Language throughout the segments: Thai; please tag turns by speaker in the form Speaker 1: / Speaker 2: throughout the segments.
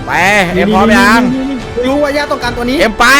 Speaker 1: ไปเอ็มพร้อมยัง
Speaker 2: รู้ว่าย่าต้องการตัวนี้
Speaker 1: เอ็มไป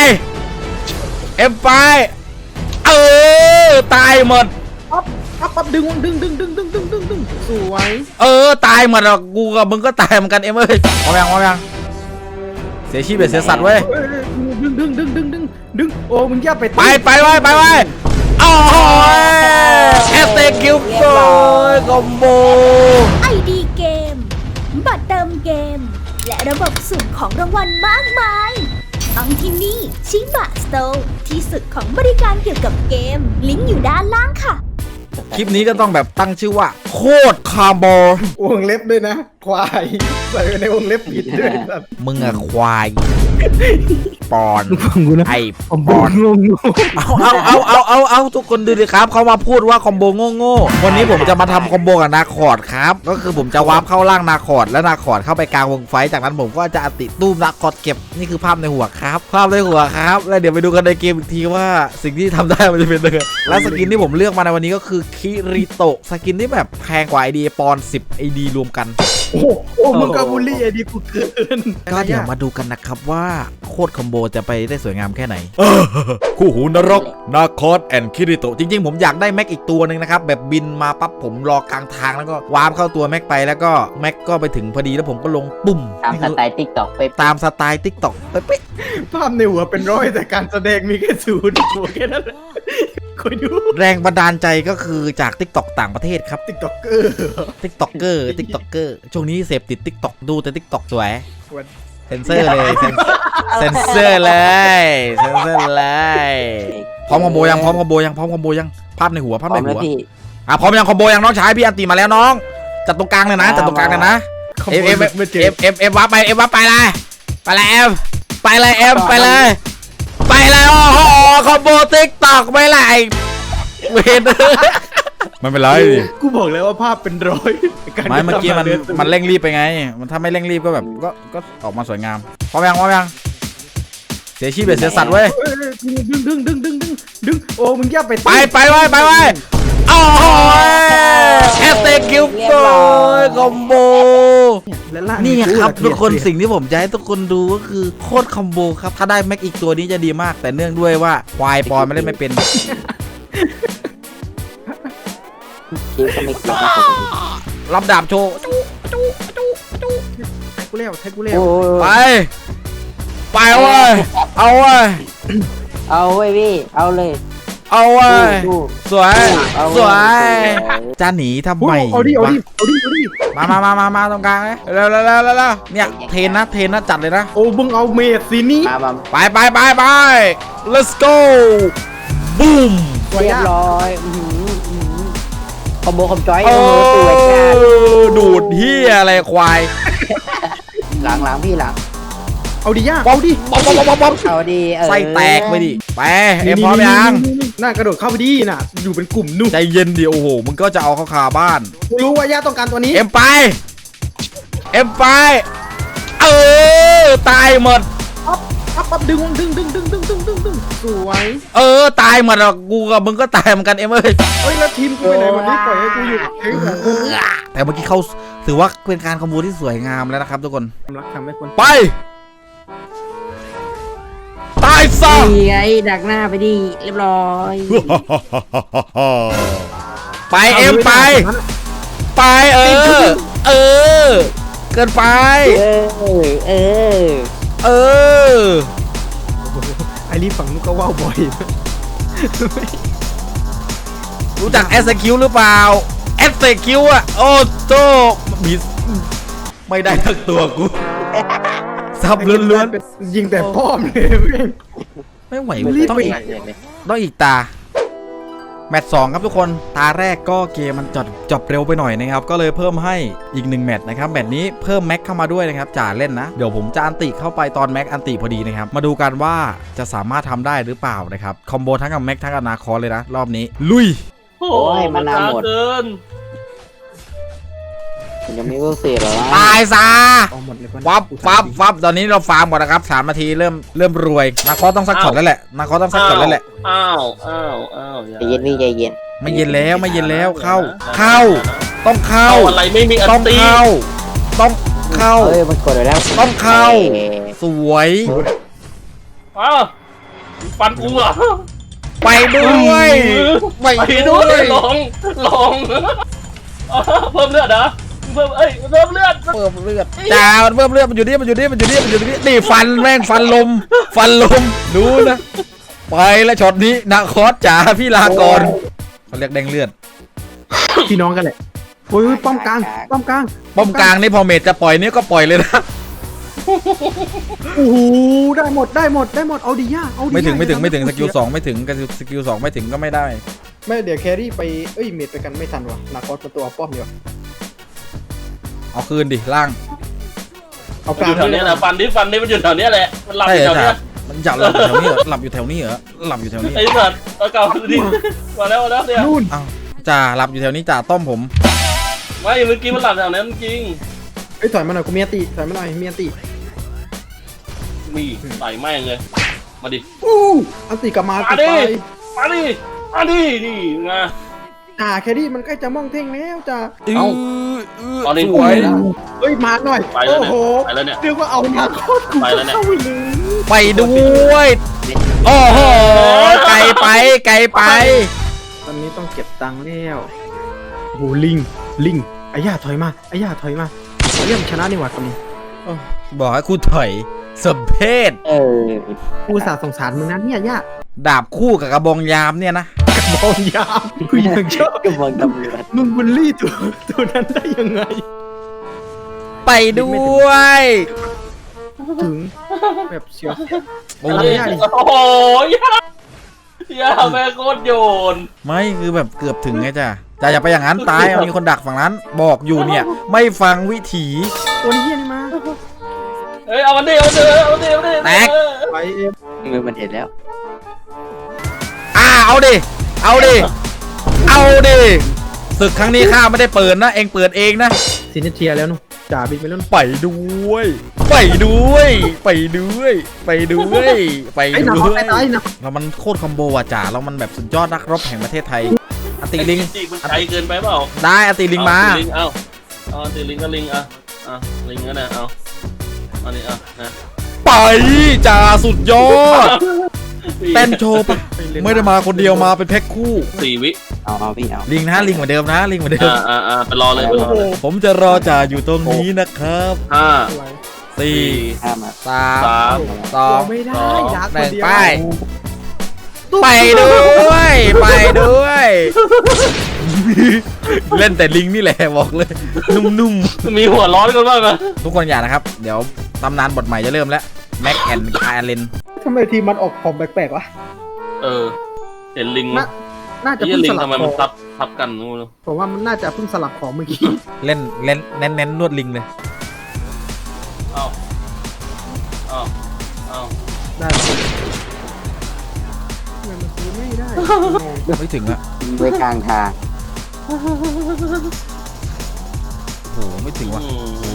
Speaker 1: ตายหมด
Speaker 2: ปั๊บดึงสวย
Speaker 1: ตายหมดอ่ะกูกับมึงก็ตายเหมือนกันเอ็มเอ้ยพร้อมยังเสียชีวิตเสียสัตว์เว้ย
Speaker 2: ดึงโอ้มึงย่าไป
Speaker 1: ไปโอ้ยแอสเตคิวโกคอมโบ
Speaker 3: ID เกมบัตรเติมเกมและระบบสุ่มของรางวัลมากมายต้องที่นี่ชิบะสโตร์ที่สุดของบริการเกี่ยวกับเกมลิงก์อยู่ด้านล่างค่ะ
Speaker 1: คลิปนี้ก็ต้องแบบตั้งชื่อว่าโคตรคาร์บอ
Speaker 2: วงเล็บด้วยนะควายใส่ในวงเล็บผิดด้วย
Speaker 1: มึงอะควายปอนไอปอนเอาทุกคนดูดิครับเขามาพูดว่าคอมโบโง่วันนี้ผมจะมาทำคอมโบกับนาคอร์ดครับก็คือผมจะวาร์ปเข้าล่างนาคอร์ดและนาคอร์ดเข้าไปกลางวงไฟจากนั้นผมก็จะอติตู้มนาคอร์ดเก็บนี่คือภาพในหัวครับแล้วเดี๋ยวไปดูกันในเกมอีกทีว่าสิ่งที่ทำได้มันจะเป็นยังไงและสกินที่ผมเลือกมาในวันนี้ก็คือคิริโตะสกินที่แบบแพงกว่า ID ปอน10 ID รวมกัน
Speaker 2: โอ้มึงก็บูลลี่ ID กูเกิน
Speaker 1: ก็เดี๋ยวมาดูกันนะครับว่าโคตรคอมโบจะไปได้สวยงามแค่ไหนคู่หูนรกนาคอร์ดแอนด์คิริโตะจริงๆผมอยากได้แม็กอีกตัวหนึ่งนะครับแบบบินมาปั๊บผมรอกลางทางแล้วก็วาร์ปเข้าตัวแม็กไปแล้วก็แม็กก็ไปถึงพอดีแล้วผมก็ลงปุ่ม
Speaker 4: ตามสไตล์ติ๊กต็อกไป
Speaker 1: ตามสไตล์ติ๊กต็อกไป
Speaker 2: ภาพในหัวเป็นร้อยแต่การแสดงมีแค่0หัวแค่นั้นแหละคอยดู
Speaker 1: แรงบันดาลใจก็คือจาก TikTok ต่างประเทศครับ
Speaker 2: TikToker
Speaker 1: ช่วงนี้เสพติด TikTok ดูแต่ TikTok สวยเซนเซอร์เลยเซนเซอร์เลยพร้อมคอมโบยังภาพในหัวพร้อมยังคอมโบยังน้องชายพี่อันตีมาแล้วน้องจัดตรงกลางเลยนะเอ็มวับไปเลยโอ้โหคอมโบ TikTok ไม่ไรเวนมันเป็นไร
Speaker 2: กูบอกแล้วว่าภาพเป็นร้อย
Speaker 1: ไม่เมื่อกี้มันเร่งรีบไปไงมันถ้าไม่เร่งรีบก็แบบก็ออกมาสวยงามพร้อมยังเสียชีวิตเสียสัตว์เว้ย
Speaker 2: ดึงโอ้มึงย่าไป
Speaker 1: โอ้ยแอสเตคิวโกคอมโบนี่ครับทุกคนสิ่งที่ผมจะให้ทุกคนดูก็คือโคตรคอมโบครับถ้าได้แม็กอีกตัวนี้จะดีมากแต่เนื่องด้วยว่าควายปอนไม่เล่นไม่เป็นรับดาบโชว์
Speaker 2: กูเร็ว
Speaker 1: ไปเว้ยเอาเว้ย
Speaker 4: พี่เอาเลย
Speaker 1: สวยจะหนีทำไม
Speaker 2: เอาดิ
Speaker 1: มาตรงกลางเลยเร็วเนี่ยเทนนะจัดเลยนะ
Speaker 2: โอ้มึงเอาเมดสินี่
Speaker 1: ไป let's go บูม
Speaker 4: เรียบร้อยคอมโบคอมจอย
Speaker 1: ดูดเฮียอะไรควาย
Speaker 4: หลังพี่หลัง
Speaker 2: เอาดิย่าเอาดิ
Speaker 1: ไส้แตกไปดิไปเอ็มพร้อมยัง
Speaker 2: น่ากระโดดเข้าไปดิน่ะอยู่เป็นกลุ่มนุ่ม
Speaker 1: ใจเย็นดิโอ้โหมึงก็จะเอาเข้าคาบ้าน
Speaker 2: รู้ว่าย่าต้องการตัวนี้
Speaker 1: เอ็มไปตายหมด
Speaker 2: ปั๊บดึงสวย
Speaker 1: ตายหมดอ่ะกูกับมึงก็ตายเหมือนกันเอ็มเอ้ย
Speaker 2: แล้วทีมกูไปไหนวันนี้ปล่อยให้กูอยู่
Speaker 1: แต่เมื่อกี้เขาถือว่าเป็นการคอมโบที่สวยงามแล้วนะครับทุกคนไปตายซะ
Speaker 4: ไอ้ดักหน้าไปดิเรียบร้อย
Speaker 1: ไปเอ็มไปเกินไป
Speaker 2: ไอรีฝั่งนู้นก็ว่าวบ่อย
Speaker 1: รู้จักแอสคิวหรือเปล่าแอสคิวอะโอ้โตมิสไม่ได้ทั้งตัวกูซับล้วน
Speaker 2: ยิงแต่ป้อมเลย
Speaker 1: ไม่ไหวต้องอีกตาแมตช์2ครับทุกคนตาแรกก็เกมมันจบเร็วไปหน่อยนะครับก็เลยเพิ่มให้อีก1แมตช์นะครับแมตช์นี้เพิ่มแม็กเข้ามาด้วยนะครับจ่าเล่นนะเดี๋ยวผมจะอันติเข้าไปตอนแม็กอันติพอดีนะครับมาดูกันว่าจะสามารถทำได้หรือเปล่านะครับคอมโบทั้งกับแม็กทั้งกับนาคอเลยนะรอบนี้ลุย
Speaker 4: โอ้ยมันนานหมดยังไม่รู้สิหรอ
Speaker 1: ตายซะฟับตอนนี้เราฟาร์มก่อนนะครับ3 นาทีเริ่มรวยนาคอต้องซักช็อตแล้วแหละอ้าว
Speaker 4: ใจเย็นพี่ใจเย็น
Speaker 1: ไม่เย็นแล้วเข้าต้องเข้า
Speaker 5: อะไรไม่มี
Speaker 1: ต้องเข้าต้องเข้า
Speaker 4: เอ้ยมันกดไปแล้ว
Speaker 1: ต้องเข้า สวย
Speaker 5: อ้าวฟันกูเหรอ
Speaker 1: ไปด้วยไป
Speaker 5: ไป
Speaker 1: ด้
Speaker 5: ด้
Speaker 1: ว
Speaker 5: วย ยลงเพิ่มเลือดเหรอเพิ่มเพิ่มเลือด
Speaker 1: เพิ่มเลือดจ้ามันเพิ่มเลือดมันอยู่นี่นี่ฟันแม่งฟันลมดูนะไปแล้วช็อตนี้นาคอสจ๋าพี่ลาก่อนเขาเรียกแดงเลือด
Speaker 2: พี่น้องกันแหละโอ้ยป้อมกลางป้อมกลาง
Speaker 1: ป้อมกลางนี่พอเมจจะปล่อยนี่ก็ปล่อยเลยนะ
Speaker 2: โอ้โหได้หมดเอาดิย่าเอาดิ
Speaker 1: ไม่ถึง
Speaker 2: ย่า
Speaker 1: สกิล2ไม่ถึงกับสกิล2ไม่ถึงก็ไม่ได้
Speaker 2: ไม่เดี๋ยวแครี่ไปเมดไปกันไม่ทันว่ะนาคอสเป็นตัวป้อมอยู่
Speaker 1: เอาคืนดิล่าง
Speaker 2: เอา
Speaker 5: มัน
Speaker 2: ก
Speaker 5: อ
Speaker 2: ลาง
Speaker 5: ยู่แถวนี้นะฟันนี้มันอยู่แถวนี้แหละมันหลับ
Speaker 1: ใช่
Speaker 5: อยู่แถว
Speaker 1: ค
Speaker 5: นี้
Speaker 1: รับมันจะหลับอยู่แถวนี้เหรอหลับอยู่แถวนี้เหรอหลับอยู่แถวนี้
Speaker 5: ไอ้สัตว์เอาเก่าดิมาแล้วเนี่ย
Speaker 2: นู่น
Speaker 1: อ้าวจ่าหลับอยู่แถวนี้จ่าต้มผม
Speaker 5: ไม่เมื่อกี้มันหลับแถวนั้นจริง
Speaker 2: ถอยมาหน่อยกูมีอันติถอยมาหน่อยมีอันติ
Speaker 5: มีใส่แม่งเลยมาดิ
Speaker 2: อันติกลับมา
Speaker 5: มา
Speaker 2: ติด
Speaker 5: ดิ
Speaker 2: ไป
Speaker 5: มาดินี่ไง
Speaker 2: แครี่มันใกล้จะมองเท่งแล้วจ้า
Speaker 5: ตอนนี้
Speaker 1: สวย
Speaker 2: เอ้ยมาหน่อย
Speaker 5: ไปแล้ว
Speaker 2: โอ้
Speaker 5: เนี่ย
Speaker 2: โห
Speaker 5: ไปแล้วเนี่ย
Speaker 2: เรียกว่าเอานาคอสกู
Speaker 5: ไปแล้วเนี่ย
Speaker 2: เข้าไปเลย
Speaker 1: ไปด้วยโอ้โหไกลไป
Speaker 2: ตอนนี้ต้องเก็บตังค์แล้วโอ้โหลิงไอ้ย่าถอยมาไอ้ย่าถอยมาเยี่ยมชนะนี่หว่าคนนี้
Speaker 1: บอกให้คุณถอยสมเพศ
Speaker 4: เออ
Speaker 2: กูอุตสาห์สงสารมึงนะเนี่ยย่า
Speaker 1: ดาบคู่กับกระบองยามเนี่ยนะ
Speaker 2: มองยามกูยังชอบ
Speaker 4: ก็มองตำรวจ
Speaker 2: มึงบูลลี่ตัวนั้นได้ยังไง
Speaker 1: ไปด้วย
Speaker 2: ถึงแบบเชียว
Speaker 1: โอ้
Speaker 2: อะไร
Speaker 1: ย
Speaker 2: อ่ะ
Speaker 5: โอ้โหย่าแม่โคตรโยน
Speaker 1: ไม่คือแบบเกือบถึงไงจ้ะอย่าไปอย่างนั้นตายมีคนดักฝั่งนั้นบอกอยู่เนี่ย ไม่ฟังวิถี
Speaker 2: ตัวนี้เฮียนี่มา
Speaker 5: เฮ้ยเอามันดิ
Speaker 1: แตก
Speaker 2: ไปเอง
Speaker 4: มือมันเห็นแล้ว
Speaker 1: เอาดิศึกครั้งนี้ข้าไม่ได้เปิดนะเองเปิดเองนะ
Speaker 2: ซินิเทียแล้วนู่นจ่าบินไปแล้วนู่น
Speaker 1: ไปด้วย
Speaker 2: ไอ้หนักไปตายนะ
Speaker 1: เรามันโคตรคอมโบว่ะจ๋าเรามันแบบสุดยอดนักรบแห่งประเทศไทยอติลิง
Speaker 5: จีมันไกลเกินไปเปล่า
Speaker 1: ได้อติลิงมา
Speaker 5: เอาตีลิงก็ลิงอ่ะลิงก็นะเอาอันนี้นะ
Speaker 1: ไปจ่าสุดยอดเต้นโชว์ปะไม่ได้มาคนเดียวมาเป็นแพ็คคู่
Speaker 5: 4 วิ
Speaker 4: เอาพี่เอา
Speaker 1: ลิงนะลิงเหมือนเดิมนะลิงเหมือนเดิม
Speaker 5: ไปรอเลย
Speaker 1: ผมจะรอจ่าอยู่ตรงนี้นะครับ
Speaker 5: 5
Speaker 1: 4
Speaker 4: ข้ามมา
Speaker 1: 3 2
Speaker 2: ไม่ได้ดัก
Speaker 1: 1
Speaker 2: คนเดียว
Speaker 1: ไปด้วย เล่นแต่ลิงนี่แหละบอกเลย นุ่ม
Speaker 5: มีหัวร้อนกันบ้างนะ
Speaker 1: ๆ ทุกคนอย่านะครับ เดี๋ยวตำนานบทใหม่จะเริ่มแล้วแม็กแอนด์คาร์เลน
Speaker 2: ทำไมทีมมันออกของแปลกๆวะ
Speaker 5: เห็นลิง
Speaker 2: น่าจะ
Speaker 5: ไอ้
Speaker 2: เพิ่ง
Speaker 5: ลิ
Speaker 2: ส
Speaker 5: ง
Speaker 2: ลับ
Speaker 5: ทำไม
Speaker 2: ข
Speaker 5: มั
Speaker 2: อน ง
Speaker 5: ทับกันงู
Speaker 2: ผมว่ามันน่าจะเพิ่งสลับของเมื่อกี้
Speaker 1: เล่นเน้นนวดลิงเลย
Speaker 5: เอา
Speaker 2: ได้หรอทำไมมันซื้อไม่ได้
Speaker 1: ไม่ถึงอะ
Speaker 4: ไว้กลางทาง
Speaker 1: โอ้โหไม่ถึงว่ะ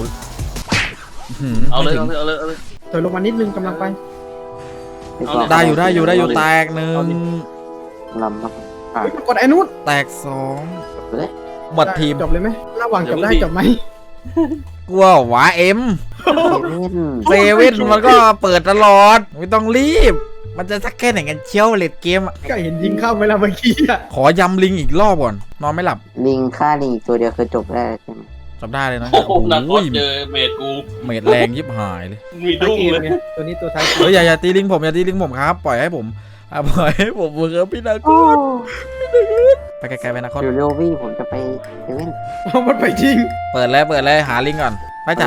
Speaker 5: เอาเลย
Speaker 1: ไม่ถึง
Speaker 5: เอาเลย
Speaker 2: ถอยลงมานิดนึงกำลังไป
Speaker 1: ได้อยู่แตกหนึ่ง
Speaker 4: ลำมาก
Speaker 2: เฮ้ยกดไอ้นู้น
Speaker 1: แตกสอง
Speaker 4: เลย
Speaker 1: หมดทีม
Speaker 2: จบเลยไหมระหว่างจบได้จบไหม
Speaker 1: กลัวหวาเอ็มเซเว่นมันก็เปิดตลอดไม่ต้องรีบ มันจะสักแค่ไหนกันเชียวเลดเกมอะ
Speaker 2: ก็เห็นยิงเข้าไปแล้วเมื่อกี้อะ
Speaker 1: ขอยำลิงอีกรอบก่อนนอนไม่หลับ
Speaker 4: ลิงฆ่าลิงอีกตัวเดียวคือจบได้ใช่ไหม
Speaker 1: จำได้เลยนะ
Speaker 5: โอ้โหนัด
Speaker 1: โอ้ย
Speaker 5: เจอเมดกู
Speaker 1: เมดแรงยิบหายเลย
Speaker 5: มีดุ้งเลย
Speaker 2: ตัวนี้ตัวท้าย
Speaker 1: เฮ้ยอย่าตีลิงผมอย่าตีลิงผมครับ ปล่อยให้ผมปล่อยให้ผมเถอะพี่นาคตไปไกลๆไปนาคต
Speaker 4: เดี๋ยวเร็วพี่ผมจะไปเซเว่น
Speaker 2: เอามันไปจริง
Speaker 1: เปิดเลยหาลิงก่อนไปจ่า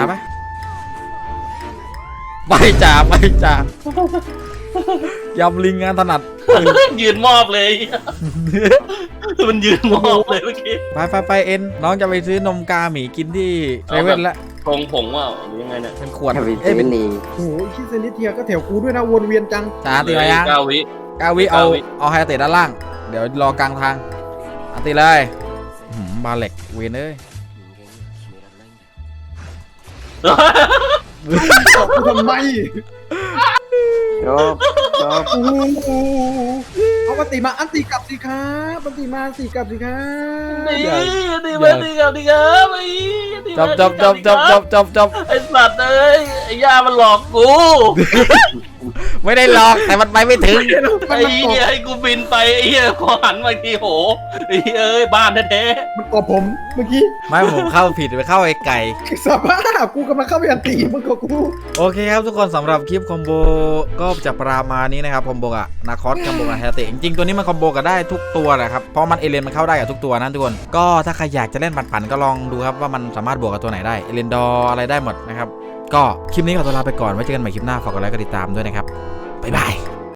Speaker 1: ไปจ่ายำลิงงานถนัด
Speaker 5: ยืนมอบเลย มันยืนมอบเลยเมื่อกี้
Speaker 1: ไปเอ็นน้องจะไปซื้อนมกาหมีกินที่เซเว่นละ
Speaker 5: ทงผงว่าหรือยังไงเนี่ย
Speaker 1: เป็นขวด
Speaker 4: จะไปเซ
Speaker 1: เอ้ยเป็
Speaker 4: เว่
Speaker 1: น
Speaker 4: นลี
Speaker 2: โอ้โหชิเซนิเทียก็แถวกูด้วยนะวนเวียนจัง
Speaker 1: จ่าตีมายัง
Speaker 5: 9 วิ
Speaker 1: 9 วิเอาไฮเตะด้านล่าง เดี๋ยวรอกลางทางตีเลยบาเล็กเวนเอ้ย
Speaker 2: บอกกูทำไม
Speaker 4: จบ
Speaker 2: โอ้โหเอาอันติมาอันติกลับสิครับอันติมาสิกลับสิครับ
Speaker 5: ดีดีมาดีครับดีครับไอ้
Speaker 1: จบ
Speaker 5: ไอ้สัตว์เอ้ยไอ้ย่ามันหลอกกู
Speaker 1: ไม่ได้หลอกแต่มันไปไม่ถึง
Speaker 5: ไอ้เหี้ยให้กูบินไปไอ้เหี้ยพอหันมาทีโหไอ้เหี้ยเอ้ยบ้านแท้
Speaker 2: มันกอบผมเมื่อกี้
Speaker 1: ไม่ผมเข้าผิดไปเข้าไอ้ไก่
Speaker 2: สภาพกูกำลังเข้าไปอันติมันก็กู
Speaker 1: โอเคครับทุกคนสำหรับคลิปคอมโบก็จะประมาณนี้นะครับคอมโบกับนาคอสคอมโบกับแฮตติจริงๆตัวนี้มันคอมโบกันได้ทุกตัวนะครับเพราะมันเอเลนมันเข้าได้กับทุกตัวนะทุกคนก็ถ้าใครอยากจะเล่นปั่นๆก็ลองดูครับว่ามันสามารถบวกกับตัวไหนได้เอเลนดอร์อะไรได้หมดนะครับก็คลิปนี้ขอตัวลาไปก่อนไว้เจอกันใหม่คลิปหน้าฝากกดไลค์กดติดตามด้วยนะครับบ๊ายบาย